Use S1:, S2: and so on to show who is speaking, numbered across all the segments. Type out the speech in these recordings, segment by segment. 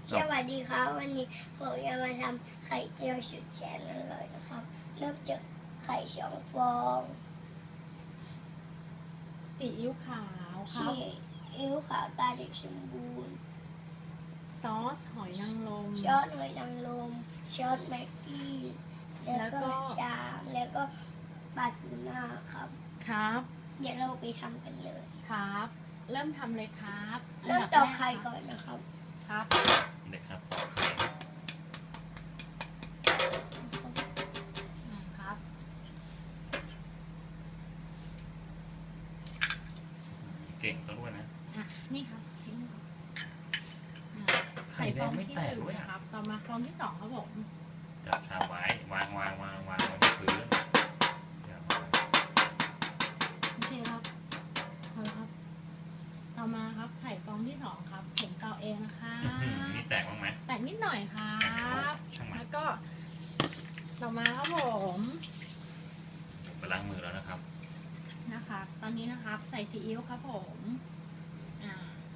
S1: สวัสดีครับวันนี้ผมจะมาทำไข่เจียวสุดแสนอร่อยนะครับเริ่มจากไข่2 ฟอง
S2: ซีอิ๊วขาวครั
S1: ซี
S2: บ
S1: อิ๊วขาวตาเด็กสมบูรณ์
S2: ซอสหอยนางรม
S1: ช้อนหอยนางรมช้อนแม็กกี้แล้วก็ชามแล้วก็ปลาทูน่าครับ
S2: ครับ
S1: เดี๋ยวเราไปทำกันเลย
S2: ครับ เริ่มทำเลยครับ
S1: เริ่มตอกไข่ก่อนนะครับ
S2: ครับ
S3: เด็กครับ
S2: ครับ
S3: เก่งซะด้วยนะ
S2: อ่ะนี่ครับทิ้งครับอ่ะ
S3: ไข่แดงไม่แตก
S2: ฟองที่
S3: ด้วย
S2: 1
S3: อ่ะ
S2: นะครับ ต่อมาฟองที่ 2 ครับผม
S3: จับชามไว้วางไว้ที่พื้นอย่าวาง
S2: โอเคครับพอแล้วครับ ต่อมาครับไข่ฟองที่ 2 ครับผมเตาเองนะคะ
S3: นี่แตกบ้างไหม
S2: แตกนิดหน่อยครับ
S3: ช่างมัน
S2: แล้วก็ ต่อมาครับผม
S3: ไปล้างมือแล้วนะครับ
S2: นะคะตอนนี้นะครับใส่ซีอิ๊วครับผมอ่า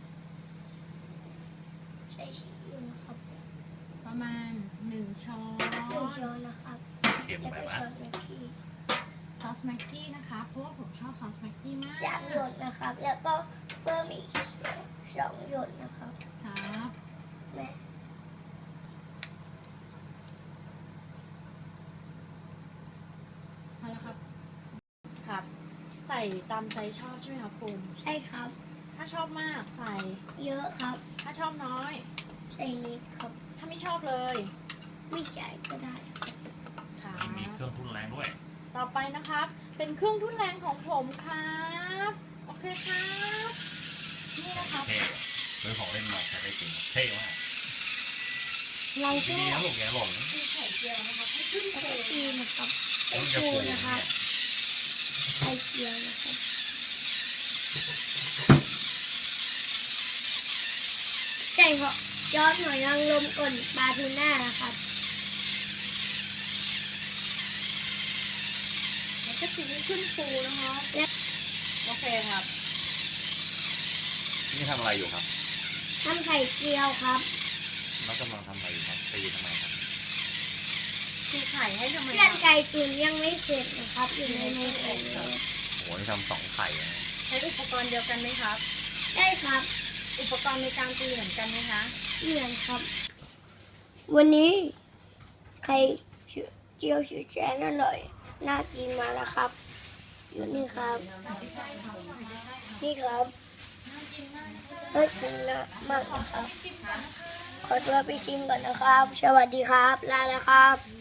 S1: ใส่ซีอิ๊วนะครับ
S2: ประมาณ1 ช้อน
S1: 1 ช้อนนะครับ
S3: เค็ม
S1: แล้ว
S3: ไป
S1: ก็
S3: วะ
S1: ช้อนแม็กกี้
S2: ซอสแม็กกี้นะคะเพราะว่าผมชอบซอสแม็กกี้มาก
S1: 3 หยดนะครับ แล้วก็เพิ่มอีก2 หยดนะครับ
S2: ครับ
S1: แม่
S2: พอแล้วครับครับ ใส่ตามใจชอบใช่ไหมครับคุณ
S1: ใช่ครับ
S2: ถ้าชอบมากใส่
S1: เยอะครับ
S2: ถ้าชอบน้อย
S1: ใส่นิดครับ
S2: ถ้าไม่ชอบเลย
S1: ไม่ใส่ก็ได้
S2: ครับ
S3: มีเครื่องทุนแรงด้วย
S2: ต่อไปนะครับ เป็นเครื่องทุนแรงของผมครับโอเคครับนี่นะครับ
S3: เท่เรื่องของเล่นมาใช้ได้จริงเท่มาก
S2: เราก็
S3: ดีนะลูกแกหล่น
S2: มีไข่เจียวนะครับให้ขึ้น
S1: แล้ว
S2: โค
S1: ก็ตีนะครับ
S3: แล้
S1: ไข่
S3: วมันจะ
S1: ปู
S3: ฟู
S1: นะครับ ไข่เจียวนะครับใส่เหาะยอดหอยนางรมก่อนปลาทูน่านะครับ
S2: แล้วก็ตีให้ขึ้นฟูนะครับ โอเคครับ
S3: นี่ทำอะไรอยู่ครับ
S1: ทำไข่เจียวครับ
S3: แล้วกำลังทำอะไรอยู่ครับตีทำไมครับ
S2: ตีไข่ให้ทำไม
S1: เพื่อนไก่ตุ๋นยังไม่เสร็จนะครับ อยู่ในไมโครเวฟ
S3: โอ้โหนี่ทำ2 ไข่นะ
S2: ใช้อุปกรณ์เดียวกันไหมครับ
S1: ได้ครับ
S2: อุปกรณ์ในการตีเหมือนกันไหมคะ
S1: เหมือนครับ วันนี้ไข่เจียวสุดแสนอร่อย น่ากินมาแล้วครับ อยู่นี่ครับ นี่ครับน่ากินมากนะครับ ขอตัวไปชิมก่อนนะครับ สวัสดีครับ ลาแล้วครับ